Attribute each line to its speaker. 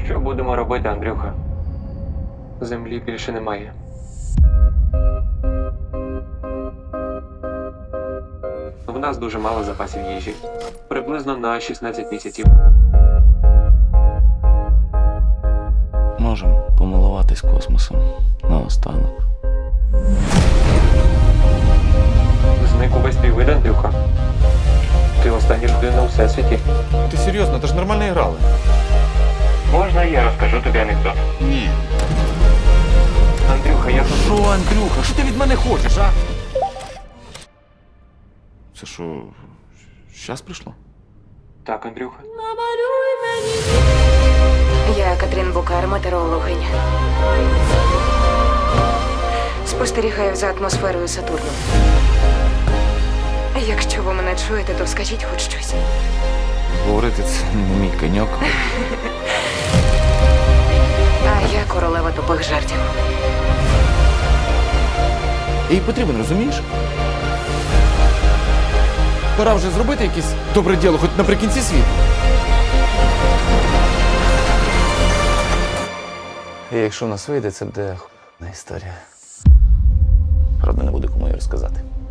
Speaker 1: Що будемо робити, Андрюха? Землі більше немає. В нас дуже мало запасів їжі. Приблизно на 16 місяців.
Speaker 2: Можемо помилуватись космосом наостанок.
Speaker 1: Зник увесь твій вид, Андрюха. Ти остання людина у всесвіті.
Speaker 3: Ти серйозно, ти ж нормально грали.
Speaker 1: Можна я розкажу тобі анекдот?
Speaker 2: Ні.
Speaker 1: Андрюха, я тут...
Speaker 3: Що, Андрюха, що ти від мене хочеш, а? Це що, щас прийшло?
Speaker 1: Так, Андрюха.
Speaker 4: Я Катрін Букар, метеорологиня. Спостерігаю за атмосферою Сатурну. Якщо ви мене чуєте, то скажіть хоч щось.
Speaker 3: Говорити це не мій коньок.
Speaker 4: А я королева тупих жартів.
Speaker 3: Їй потрібен, розумієш? Пора вже зробити якесь добре діло, хоч наприкінці світу.
Speaker 2: І якщо в нас вийде, це буде х**на історія. Правда, не буде кому її розказати.